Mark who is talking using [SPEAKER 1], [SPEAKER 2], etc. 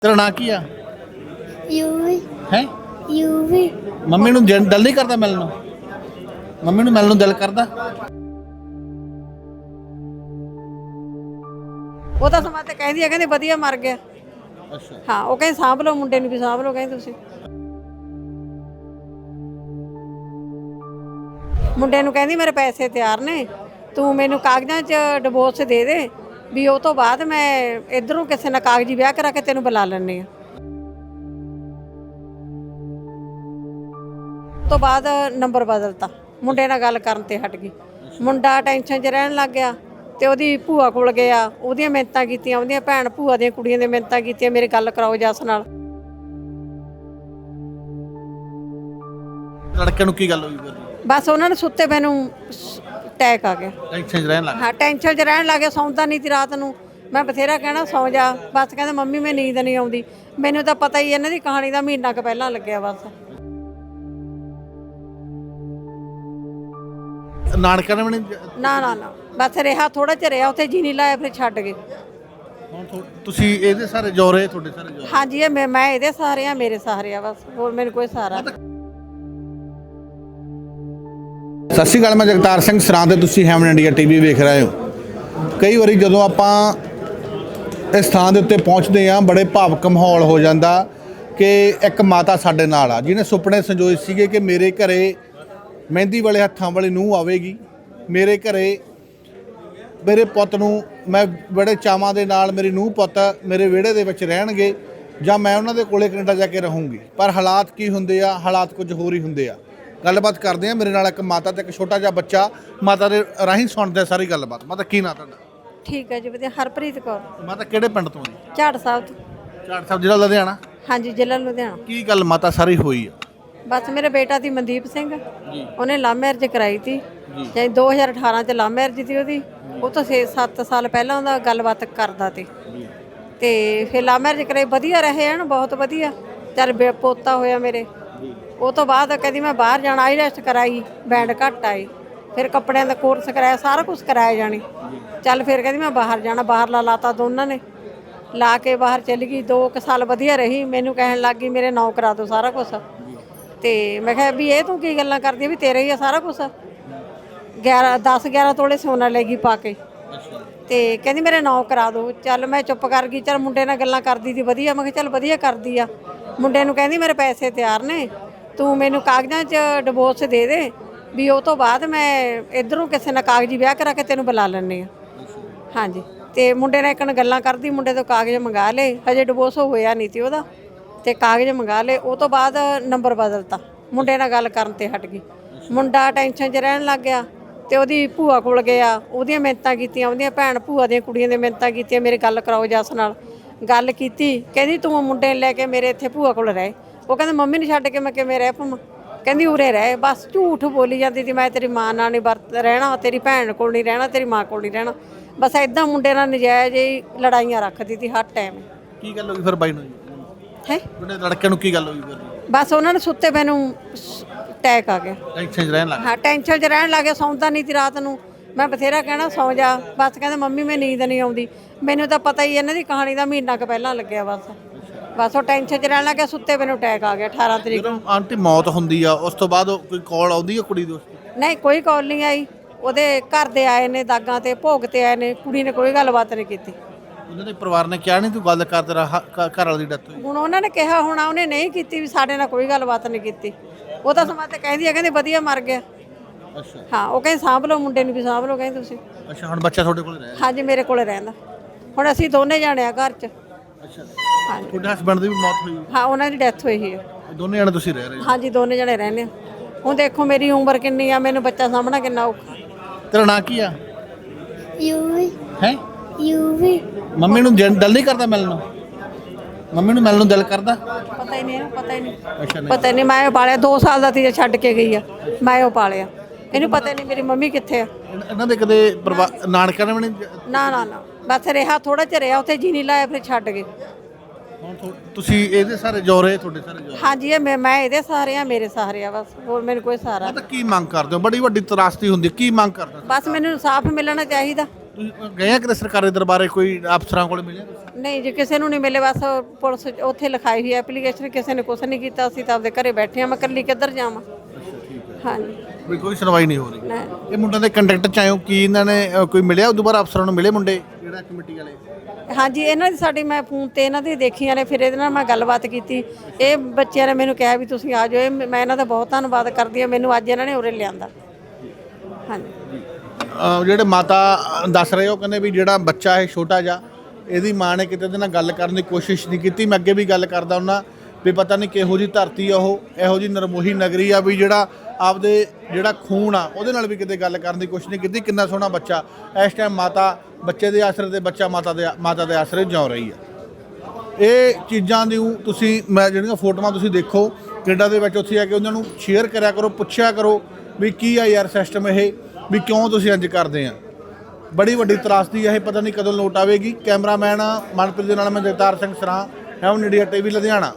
[SPEAKER 1] तेरा ਨਾਂ ਕੀ ਆ?
[SPEAKER 2] ਯੂਵੀ
[SPEAKER 1] ਹੈ
[SPEAKER 2] ਯੂਵੀ
[SPEAKER 1] ਮੰਮੀ ਨੂੰ ਦਿਲ ਨਹੀਂ ਕਰਦਾ ਮਿਲਣ ਨੂੰ? ਮੰਮੀ ਨੂੰ ਮਿਲਣ ਨੂੰ ਦਿਲ ਕਰਦਾ?
[SPEAKER 3] ਉਹ ਤਾਂ ਸਮਾਂ ਤੇ ਕਹਿੰਦੀ ਆ, ਕਹਿੰਦੇ ਵਧੀਆ ਮਰ ਗਿਆ।
[SPEAKER 1] ਅੱਛਾ
[SPEAKER 3] ਹਾਂ, ਉਹ ਕਹਿੰਦੇ ਸਾਂਭ ਲਓ ਮੁੰਡੇ ਨੂੰ ਵੀ ਸਾਂਭ ਲਓ, ਕਹਿੰਦੇ ਤੁਸੀਂ ਮੁੰਡੇ ਨੂੰ ਕਹਿੰਦੀ ਮੇਰੇ ਪੈਸੇ ਤਿਆਰ ਨੇ, ਤੂੰ ਮੈਨੂੰ ਕਾਗਜ਼ਾਂ 'ਚ ਡਿਵੋਰਸ ਦੇ ਦੇ ਵੀ ਉਹ ਤੋਂ ਬਾਅਦ ਮੈਂ ਇਧਰੋਂ ਕਿਸੇ ਨਾਲ ਕਾਗਜ਼ੀ ਵਿਆਹ ਕਰਾ ਕੇ ਤੈਨੂੰ ਬੁਲਾ ਲੈਂਦੀ ਆ। ਤੋਂ ਬਾਅਦ ਨੰਬਰ ਬਦਲਤਾ, ਮੁੰਡੇ ਨਾਲ ਗੱਲ ਕਰਨ ਤੇ ਹਟ ਗਈ। ਮੁੰਡਾ ਟੈਨਸ਼ਨ 'ਚ ਰਹਿਣ ਲੱਗ ਗਿਆ ਤੇ ਉਹਦੀ ਭੂਆ ਕੋਲ ਗਿਆ, ਉਹਦੀਆਂ ਮਿਹਨਤਾਂ ਕੀਤੀਆਂ, ਉਹਦੀਆਂ ਭੈਣ ਭੂਆ ਦੀਆਂ ਕੁੜੀਆਂ ਦੀਆਂ ਮਿਹਨਤਾਂ ਕੀਤੀਆਂ, ਮੇਰੀ ਗੱਲ ਕਰਾਓ ਜੱਸ ਨਾਲ।
[SPEAKER 1] ਲੜਕੇ ਨੂੰ ਕੀ ਗੱਲ ਹੋਈ ਫਿਰ?
[SPEAKER 3] ਬਸ ਉਹਨਾਂ ਨੂੰ ਸੁੱਤੇ ਪਏ ਨੂੰ ਅਟੈਕ ਆ ਗਿਆ।
[SPEAKER 1] ਟੈਨਸ਼ਨ 'ਚ ਰਹਿਣ ਲੱਗ
[SPEAKER 3] ਹਾਂ, ਟੈਨਸ਼ਨ 'ਚ ਰਹਿਣ ਲੱਗ ਗਿਆ, ਸੌਂਦਾ ਨਹੀਂ ਸੀ ਰਾਤ ਨੂੰ। ਮੈਂ ਬਥੇਰਾ ਕਹਿਣਾ ਸੌਂ ਜਾ, ਬਸ ਕਹਿੰਦਾ ਮੰਮੀ ਮੈਂ ਨੀਂਦ ਨਹੀਂ ਆਉਂਦੀ। ਮੈਨੂੰ ਤਾਂ ਪਤਾ ਹੀ ਇਹਨਾਂ ਦੀ ਕਹਾਣੀ ਦਾ ਮਹੀਨਾ ਕੁ ਪਹਿਲਾਂ ਲੱਗਿਆ ਬਸ।
[SPEAKER 1] ਨਾਨਕਾ ਨੇ ਵੀ ਨਹੀਂ
[SPEAKER 3] ਨਾ ਨਾ ਨਾ, ਬਸ ਰਿਹਾ ਥੋੜਾ ਜਿਹਾ ਰਿਹਾ, ਉੱਥੇ ਜੀ ਨਹੀਂ ਲਾਇਆ, ਫਿਰ ਛੱਡ ਗਏ।
[SPEAKER 1] ਹੁਣ ਤੁਸੀਂ ਇਹਦੇ ਸਾਰੇ ਜੋਰੇ, ਤੁਹਾਡੇ ਸਾਰੇ ਜੋਰੇ?
[SPEAKER 3] ਹਾਂਜੀ, ਇਹ ਮੈਂ ਇਹਦੇ ਸਹਾਰੇ ਆ, ਮੇਰੇ ਸਹਾਰੇ ਆ, ਬਸ ਹੋਰ ਮੈਨੂੰ ਕੋਈ ਸਹਾਰਾ।
[SPEAKER 1] ਸਤਿ ਸ਼੍ਰੀ ਅਕਾਲ, ਮੈਂ ਜਗਤਾਰ ਸਿੰਘ ਸਰਾਂ ਤੇ ਤੁਸੀਂ ਹੈਮਨ ਇੰਡੀਆ ਟੀਵੀ ਵੇਖ ਰਹੇ ਹੋ। ਕਈ ਵਾਰੀ ਜਦੋਂ ਆਪਾਂ ਇਸ ਥਾਂ ਦੇ ਉੱਤੇ ਪਹੁੰਚਦੇ ਹਾਂ, ਬੜੇ ਭਾਵਕ ਮਾਹੌਲ ਹੋ ਜਾਂਦਾ ਕਿ ਇੱਕ ਮਾਤਾ ਸਾਡੇ ਨਾਲ ਆ ਜਿਹਨੇ ਸੁਪਨੇ ਸੰਜੋਏ ਸੀਗੇ ਕਿ ਮੇਰੇ ਘਰੇ ਮਹਿੰਦੀ ਵਾਲੇ ਹੱਥਾਂ ਵਾਲੀ ਨੂੰਹ ਆਵੇਗੀ, ਮੇਰੇ ਘਰੇ ਮੇਰੇ ਪੁੱਤ ਨੂੰ ਮੈਂ ਬੜੇ ਚਾਵਾਂ ਦੇ ਨਾਲ ਮੇਰੀ ਨੂੰਹ ਪੁੱਤ ਮੇਰੇ ਵਿਹੜੇ ਦੇ ਵਿੱਚ ਰਹਿਣਗੇ ਜਾਂ ਮੈਂ ਉਹਨਾਂ ਦੇ ਕੋਲੇ ਕੈਨੇਡਾ ਜਾ ਕੇ ਰਹੂੰਗੀ। ਪਰ ਹਾਲਾਤ ਕੀ ਹੁੰਦੇ ਆ, ਹਾਲਾਤ ਕੁਝ ਹੋਰ ਹੀ ਹੁੰਦੇ ਆ। ਗੱਲਬਾਤ ਕਰਦੇ ਆ, ਮੇਰੇ ਨਾਲ ਇੱਕ ਮਾਤਾ ਤੇ ਇੱਕ ਛੋਟਾ ਜਿਹਾ ਬੱਚਾ, ਮਾਤਾ ਦੇ ਰਾਹੀਂ ਸੁਣਦੇ ਸਾਰੀ ਗੱਲਬਾਤ। ਮਾਤਾ ਕੀ ਨਾਂ ਤੁਹਾਡਾ?
[SPEAKER 3] ਠੀਕ ਹੈ ਜੀ, ਵਧੀਆ। ਹਰਪ੍ਰੀਤ ਕੌਰ।
[SPEAKER 1] ਮਾਤਾ ਕਿਹੜੇ ਪਿੰਡ ਤੋਂ ਜੀ?
[SPEAKER 3] ਝਾੜ ਸਾਹਿਬ ਤੋਂ।
[SPEAKER 1] ਝਾੜ ਸਾਹਿਬ, ਜ਼ਿਲ੍ਹਾ ਲੁਧਿਆਣਾ?
[SPEAKER 3] ਹਾਂਜੀ, ਜ਼ਿਲ੍ਹਾ ਲੁਧਿਆਣਾ।
[SPEAKER 1] ਕੀ ਗੱਲ ਮਾਤਾ ਸਾਰੀ ਹੋਈ ਆ?
[SPEAKER 3] ਬਸ ਮੇਰੇ ਬੇਟਾ ਦੀ ਮਨਦੀਪ ਸਿੰਘ,
[SPEAKER 1] ਜੀ
[SPEAKER 3] ਉਹਨੇ ਲਵ ਮੈਰਿਜ ਕਰਾਈ ਤੀ ਜਾਂ 2018 ਚ ਲਵ ਮੈਰਿਜ ਸੀ ਉਹਦੀ। ਉਹ ਤੋਂ 6-7 ਸਾਲ ਪਹਿਲਾਂ ਉਹਦਾ ਗੱਲਬਾਤ ਕਰਦਾ ਤੀ ਤੇ ਫਿਰ ਲਵ ਮੈਰਿਜ ਕਰਾਈ, ਵਧੀਆ ਰਹੇ ਹਨ, ਬਹੁਤ ਵਧੀਆ। ਚੱਲ ਪੋਤਾ ਹੋਇਆ ਮੇਰੇ। ਉਹ ਤੋਂ ਬਾਅਦ ਕਹਿੰਦੀ ਮੈਂ ਬਾਹਰ ਜਾਣਾ, ਆਈਲੈਟਸ ਕਰਾਈ, ਬੈਂਡ ਘੱਟ ਆਈ, ਫਿਰ ਕੱਪੜਿਆਂ ਦਾ ਕੋਰਸ ਕਰਾਇਆ, ਸਾਰਾ ਕੁਝ ਕਰਾਇਆ ਜਾਣੀ। ਚੱਲ ਫਿਰ ਕਹਿੰਦੀ ਮੈਂ ਬਾਹਰ ਜਾਣਾ, ਬਾਹਰਲਾ ਲਾਤਾ ਦੋਨਾਂ ਨੇ, ਲਾ ਕੇ ਬਾਹਰ ਚਲੀ ਗਈ। 2 ਸਾਲ ਵਧੀਆ ਰਹੀ, ਮੈਨੂੰ ਕਹਿਣ ਲੱਗ ਗਈ ਮੇਰੇ ਨਾਂ ਕਰਾ ਦਿਓ ਸਾਰਾ ਕੁਝ। ਤੇ ਮੈਂ ਕਿਹਾ ਵੀ ਇਹ ਤੂੰ ਕੀ ਗੱਲਾਂ ਕਰਦੀ ਵੀ ਤੇਰਾ ਹੀ ਆ ਸਾਰਾ ਕੁਝ। 10-11 ਤੋਲੇ ਸੋਨਾ ਲੈ ਗਈ ਪਾ ਕੇ ਤੇ ਕਹਿੰਦੀ ਮੇਰੇ ਨਾਂ ਕਰਾ ਦਿਓ। ਚੱਲ ਮੈਂ ਚੁੱਪ ਕਰ ਗਈ। ਚੱਲ ਮੁੰਡੇ ਨਾਲ ਗੱਲਾਂ ਕਰਦੀ ਸੀ ਵਧੀਆ, ਮੈਂ ਕਿਹਾ ਚੱਲ ਵਧੀਆ ਕਰਦੀ ਆ। ਮੁੰਡੇ ਨੂੰ ਕਹਿੰਦੀ ਮੇਰੇ ਪੈਸੇ ਤਿਆਰ ਨੇ, ਤੂੰ ਮੈਨੂੰ ਕਾਗਜ਼ਾਂ 'ਚ ਡਿਵੋਰਸ ਦੇ ਦੇ ਵੀ ਉਹ ਤੋਂ ਬਾਅਦ ਮੈਂ ਇਧਰੋਂ ਕਿਸੇ ਨਾਲ ਕਾਗਜ਼ੀ ਵਿਆਹ ਕਰਾ ਕੇ ਤੈਨੂੰ ਬੁਲਾ ਲੈਂਦੀ ਆ। ਹਾਂਜੀ, ਤੇ ਮੁੰਡੇ ਨਾਲ ਇੱਕ ਗੱਲਾਂ ਕਰਦੀ, ਮੁੰਡੇ ਤੋਂ ਕਾਗਜ਼ ਮੰਗਾ ਲਏ, ਹਜੇ ਡਿਵੋਰਸ ਹੋਇਆ ਨਹੀਂ ਸੀ ਉਹਦਾ, ਤੇ ਕਾਗਜ਼ ਮੰਗਾ ਲਏ। ਉਹ ਤੋਂ ਬਾਅਦ ਨੰਬਰ ਬਦਲਤਾ, ਮੁੰਡੇ ਨਾਲ ਗੱਲ ਕਰਨ ਤੇ ਹਟ ਗਈ। ਮੁੰਡਾ ਟੈਨਸ਼ਨ 'ਚ ਰਹਿਣ ਲੱਗ ਗਿਆ ਤੇ ਉਹਦੀ ਭੂਆ ਕੋਲ ਗਿਆ, ਉਹਦੀਆਂ ਮਿਹਨਤਾਂ ਕੀਤੀਆਂ, ਉਹਦੀਆਂ ਭੈਣ ਭੂਆ ਦੀਆਂ ਕੁੜੀਆਂ ਦੀਆਂ ਮਿਹਨਤਾਂ ਕੀਤੀਆਂ, ਮੇਰੀ ਗੱਲ ਕਰਾਓ ਜੱਸ ਨਾਲ। ਗੱਲ ਕੀਤੀ, ਕਹਿੰਦੀ ਤੂੰ ਮੁੰਡੇ ਲੈ ਕੇ ਮੇਰੇ ਇੱਥੇ ਭੂਆ ਕੋਲ ਰਹਿ। ਉਹ ਕਹਿੰਦੇ ਮੰਮੀ ਨੂੰ ਛੱਡ ਕੇ ਮੈਂ ਕਿਵੇਂ ਰਹਿ ਪਾਵਾਂ? ਕਹਿੰਦੀ ਉਰੇ ਰਹਿ। ਬਸ ਝੂਠ ਬੋਲੀ ਜਾਂਦੀ ਸੀ, ਮੈਂ ਤੇਰੀ ਮਾਂ ਨਾਲ ਨਹੀਂ ਰਹਿਣਾ, ਤੇਰੀ ਭੈਣ ਕੋਲ ਨਹੀਂ ਰਹਿਣਾ, ਤੇਰੀ ਮਾਂ ਕੋਲ ਨਹੀਂ ਰਹਿਣਾ। ਬਸ ਐਦਾਂ ਮੁੰਡੇ ਨਾਲ ਨਜਾਇਜ਼ ਹੀ ਲੜਾਈਆਂ ਰੱਖਦੀ ਸੀ ਹਰ ਟਾਈਮ।
[SPEAKER 1] ਕੀ ਗੱਲ ਹੋਈ ਫਿਰ ਬਾਈ ਨੂੰ?
[SPEAKER 3] ਹੈ
[SPEAKER 1] ਤੁਹਾਡੇ ਲੜਕੇ ਨੂੰ ਕੀ ਗੱਲ ਹੋਈ ਫਿਰ?
[SPEAKER 3] ਬਸ ਉਹਨਾਂ ਨੂੰ ਸੁੱਤੇ ਪਏ ਨੂੰ ਅਟੈਕ ਆ ਗਿਆ।
[SPEAKER 1] ਟੈਨਸ਼ਨ 'ਚ ਰਹਿਣ ਲੱਗ
[SPEAKER 3] ਹਾਂ, ਟੈਨਸ਼ਨ 'ਚ ਰਹਿਣ ਲੱਗ ਗਿਆ, ਸੌਂਦਾ ਨਹੀਂ ਸੀ ਰਾਤ ਨੂੰ। ਮੈਂ ਬਥੇਰਾ ਕਹਿਣਾ ਸੌਂ ਜਾ, ਬਸ ਕਹਿੰਦਾ ਮੰਮੀ ਮੈਂ ਨੀਂਦ ਨਹੀਂ ਆਉਂਦੀ। ਮੈਨੂੰ ਤਾਂ ਪਤਾ ਹੀ ਇਹਨਾਂ ਦੀ ਕਹਾਣੀ ਦਾ ਮਹੀਨਾ ਕੁ ਪਹਿਲਾਂ ਲੱਗਿਆ ਬਸ ਉਹ ਟੈਨਸ਼ਨ 'ਚ ਰਹਿਣ ਲੱਗ ਗਿਆ, ਸੁੱਤੇ ਪਏ ਨੂੰ ਅਟੈਕ ਆ ਗਿਆ 18 ਤਰੀਕ ਨੂੰ।
[SPEAKER 1] ਜਦੋਂ ਆਂਟੀ ਮੌਤ ਹੁੰਦੀ ਆ ਉਸ ਤੋਂ ਬਾਅਦ ਕੋਈ ਕਾਲ ਆਉਂਦੀ ਆ ਕੁੜੀ ਦੋਸਤ?
[SPEAKER 3] ਨਹੀਂ, ਕੋਈ ਕਾਲ ਨਹੀਂ ਆਈ। ਉਹਦੇ ਘਰ ਦੇ ਆਏ ਨੇ, ਦਾਗਾਂ ਤੇ ਭੋਗ ਤੇ ਆਏ ਨੇ, ਕੁੜੀ ਨੇ ਕੋਈ ਗੱਲਬਾਤ ਨਹੀਂ ਕੀਤੀ।
[SPEAKER 1] ਉਹਨਾਂ ਦੇ ਪਰਿਵਾਰ ਨੇ ਕਿਹਾ ਨਹੀਂ ਤੂੰ ਗੱਲ ਕਰ, ਤੇਰਾ ਘਰ ਵਾਲੀ ਦੀ ਡੈਥ ਹੋਈ?
[SPEAKER 3] ਹੁਣ ਉਹਨਾਂ ਨੇ ਕਿਹਾ ਹੋਣਾ, ਉਹਨੇ ਨਹੀਂ ਕੀਤੀ ਵੀ ਸਾਡੇ ਨਾਲ ਕੋਈ ਗੱਲਬਾਤ ਨਹੀਂ ਕੀਤੀ। ਉਹ ਤਾਂ ਸਮਾਂ ਤੇ ਕਹਿੰਦੀ ਆ, ਕਹਿੰਦੇ ਵਧੀਆ ਮਰ ਗਿਆ।
[SPEAKER 1] ਅੱਛਾ
[SPEAKER 3] ਹਾਂ, ਉਹ ਕਹਿੰਦੇ ਸਾਂਭ ਲਓ ਮੁੰਡੇ ਨੂੰ ਵੀ ਸਾਂਭ ਲਓ, ਕਹਿੰਦੇ ਤੁਸੀਂ।
[SPEAKER 1] ਅੱਛਾ, ਹੁਣ ਬੱਚਾ ਤੁਹਾਡੇ ਕੋਲ ਰਹਿ?
[SPEAKER 3] ਹਾਂਜੀ, ਮੇਰੇ ਕੋਲ ਰਹਿੰਦਾ। ਹੁਣ ਅਸੀਂ ਦੋਨੇ ਜਾਣੇ ਆ ਘਰ 'ਚ।
[SPEAKER 1] ਅੱਛਾ,
[SPEAKER 3] ਹਾਂਜੀ,
[SPEAKER 1] ਤੁਹਾਡੇ ਹਸਬੰਡ ਦੀ ਵੀ ਮੌਤ ਹੋਈ?
[SPEAKER 3] ਹਾਂ, ਉਹਨਾਂ ਦੀ ਡੈਥ ਹੋਈ ਹੈ।
[SPEAKER 1] ਦੋਨੇ ਜਣੇ ਤੁਸੀਂ ਰਹਿ ਰਹੇ ਹੋ?
[SPEAKER 3] ਹਾਂਜੀ, ਦੋਨੇ ਜਣੇ ਰਹਿੰਦੇ ਆ। ਹੁਣ ਦੇਖੋ ਮੇਰੀ ਉਮਰ ਕਿੰਨੀ ਆ, ਮੈਨੂੰ ਬੱਚਾ ਸਾਂਭਣਾ ਕਿੰਨਾ ਔਖਾ।
[SPEAKER 1] ਤੇਰਾ ਨਾਂ ਕੀ ਆ?
[SPEAKER 2] ਯੂਵੀ
[SPEAKER 1] ਹੈ
[SPEAKER 2] ਯੂਵੀ
[SPEAKER 1] ਮੰਮੀ ਨੂੰ ਦਿਲ ਨਹੀਂ ਕਰਦਾ ਮਿਲਣ ਨੂੰ? ਮੰਮੀ ਨੂੰ ਮਿਲਣ ਨੂੰ ਦਿਲ ਕਰਦਾ?
[SPEAKER 3] ਪਤਾ ਹੀ ਨਹੀਂ ਇਹਨੂੰ, ਪਤਾ ਹੀ ਨਹੀਂ।
[SPEAKER 1] ਅੱਛਾ, ਨਹੀਂ
[SPEAKER 3] ਪਤਾ ਨਹੀਂ, ਮੈਂ ਉਹ ਪਾਲਿਆ 2 ਸਾਲ ਦਾ ਸੀ, ਛੱਡ ਕੇ ਗਈ ਆ, ਮੈਂ ਉਹ ਪਾਲਿਆ। ਇਹਨੂੰ ਪਤਾ ਹੀ ਨਹੀਂ ਮੇਰੀ ਮੰਮੀ ਕਿੱਥੇ ਆ।
[SPEAKER 1] ਇਹਨਾਂ ਦੇ ਕਦੇ ਨਾਨਕਾ ਨੇ ਵੀ ਨਹੀਂ?
[SPEAKER 3] ਨਾ ਨਾ ਨਾ, ਬਸ ਰਿਹਾ ਥੋੜਾ ਜਿਹਾ ਰਿਹਾ, ਉੱਥੇ ਜੀ ਨਹੀਂ ਲਾਇਆ, ਫਿਰ ਛੱਡ ਗਏ।
[SPEAKER 1] ਹੁਣ ਤੁਸੀਂ ਇਹਦੇ ਸਾਰੇ ਜੋਰੇ, ਤੁਹਾਡੇ ਸਾਰੇ ਜੋਰੇ?
[SPEAKER 3] ਹਾਂਜੀ, ਇਹ ਮੈਂ ਇਹਦੇ ਸਹਾਰੇ ਆ, ਮੇਰੇ ਸਹਾਰੇ ਆ, ਬਸ ਹੋਰ ਮੈਨੂੰ ਕੋਈ ਸਹਾਰਾ।
[SPEAKER 1] ਤਾਂ ਕੀ ਮੰਗ ਕਰਦੇ ਹੋ? ਬੜੀ ਵੱਡੀ ਤਰਾਸਦੀ ਹੁੰਦੀ, ਕੀ ਮੰਗ ਕਰਦੇ ਹੋ?
[SPEAKER 3] ਬਸ ਮੈਨੂੰ ਇਨਸਾਫ ਮਿਲਣਾ ਚਾਹੀਦਾ।
[SPEAKER 1] ਤੁਸੀਂ ਗਏ ਆ ਕਿਤੇ ਸਰਕਾਰੀ ਦਰਬਾਰੇ ਕੋਈ ਅਫਸਰਾਂ ਕੋਲ ਮਿਲੇ
[SPEAKER 3] ਨਹੀਂ ਜੀ ਕਿਸੇ ਨੂੰ ਨਹੀਂ ਮਿਲੇ, ਬਸ ਪੁਲਿਸ ਉੱਥੇ ਲਿਖਾਈ ਹੋਈ ਐਪਲੀਕੇਸ਼ਨ, ਕਿਸੇ ਨੇ ਕੁਛ ਨਹੀਂ ਕੀਤਾ। ਅਸੀਂ ਤਾਂ ਆਪਦੇ ਘਰੇ ਬੈਠੇ ਆ, ਮੈਂ ਇਕੱਲੀ ਕਿੱਧਰ ਜਾਵਾਂ। ਹਾਂਜੀ
[SPEAKER 1] ਵੀ ਕੋਈ ਸੁਣਵਾਈ ਨਹੀਂ ਹੋ ਰਹੀ।
[SPEAKER 3] ਨਹੀਂ
[SPEAKER 1] ਇਹ ਮੁੰਡਿਆਂ ਦੇ ਕੰਟੈਕਟ ਚ ਆਇਓ ਕੀ ਇਹਨਾਂ ਨੇ ਕੋਈ ਮਿਲਿਆ ਉਦੋਂ ਬਾਅਦ ਅਫਸਰਾਂ ਨੂੰ ਮਿਲੇ ਮੁੰਡੇ ਜਿਹੜਾ ਕਮੇਟੀ ਵਾਲੇ?
[SPEAKER 3] ਹਾਂਜੀ ਇਹਨਾਂ ਦੀ ਸਾਡੀ ਮੈਂ ਫੋਨ ਤੇ ਇਹਨਾਂ ਦੀ ਦੇਖੀਆਂ ਨੇ, ਫਿਰ ਇਹਦੇ ਨਾਲ ਮੈਂ ਗੱਲਬਾਤ ਕੀਤੀ। ਇਹ ਬੱਚਿਆਂ ਨੇ ਮੈਨੂੰ ਕਿਹਾ ਵੀ ਤੁਸੀਂ ਆ ਜਾਓ। ਮੈਂ ਇਹਨਾਂ ਦਾ ਬਹੁਤ ਧੰਨਵਾਦ ਕਰਦੀ ਹਾਂ, ਮੈਨੂੰ ਅੱਜ ਇਹਨਾਂ ਨੇ ਉਰੇ ਲਿਆਂਦਾ। ਹਾਂਜੀ
[SPEAKER 1] ਜਿਹੜੇ ਮਾਤਾ ਦੱਸ ਰਹੇ ਹੋ ਕਹਿੰਦੇ ਵੀ ਜਿਹੜਾ ਬੱਚਾ ਹੈ ਛੋਟਾ ਜਿਹਾ, ਇਹਦੀ ਮਾਂ ਨੇ ਕਿਤੇ ਇਹਦੇ ਨਾਲ ਗੱਲ ਕਰਨ ਦੀ ਕੋਸ਼ਿਸ਼ ਨਹੀਂ ਕੀਤੀ। ਮੈਂ ਅੱਗੇ ਵੀ ਗੱਲ ਕਰਦਾ ਹੁੰਦਾ ਵੀ ਪਤਾ ਨਹੀਂ ਕਿਹੋ ਜਿਹੀ ਧਰਤੀ ਆ ਉਹ, ਇਹੋ ਜਿਹੀ ਨਰਮੋਹੀ ਨਗਰੀ ਆ ਵੀ ਜਿਹੜਾ ਆਪਦੇ ਜਿਹੜਾ ਖੂਨ ਆ ਉਹਦੇ ਨਾਲ ਵੀ ਕਿਤੇ ਗੱਲ ਕਰਨ ਦੀ ਕੋਸ਼ਿਸ਼ ਨਹੀਂ ਕੀਤੀ। ਕਿੰਨਾ ਸੋਹਣਾ ਬੱਚਾ ਇਸ ਟਾਈਮ ਮਾਤਾ ਬੱਚੇ ਦੇ ਆਸਰੇ ਤੇ ਬੱਚਾ ਮਾਤਾ ਦੇ ਆਸਰੇ ਜਿਉ ਰਹੀ ਆ। ਇਹ ਚੀਜ਼ਾਂ ਦੀ ਤੁਸੀਂ ਮੈਂ ਜਿਹੜੀਆਂ ਫੋਟੋਆਂ ਤੁਸੀਂ ਦੇਖੋ ਕੈਨੇਡਾ ਦੇ ਵਿੱਚ, ਉੱਥੇ ਆ ਕੇ ਉਹਨਾਂ ਨੂੰ ਸ਼ੇਅਰ ਕਰਿਆ ਕਰੋ, ਪੁੱਛਿਆ ਕਰੋ ਵੀ ਕੀ ਆ ਯਾਰ ਸਿਸਟਮ ਇਹ, ਵੀ ਕਿਉਂ ਤੁਸੀਂ ਇੰਜ ਕਰਦੇ ਆ। ਬੜੀ ਵੱਡੀ ਤਰਾਸਦੀ ਇਹ ਪਤਾ ਨਹੀਂ ਕਦੋਂ ਲੋਟ ਆਵੇਗੀ। ਕੈਮਰਾਮੈਨ ਮਨਪ੍ਰੀਤ ਦੇ ਨਾਲ ਮੈਂ ਜਗਤਾਰ ਸਿੰਘ ਸਰਾਂ, ਹੈਵਨ ਇੰਡੀਆ TV ਲੁਧਿਆਣਾ।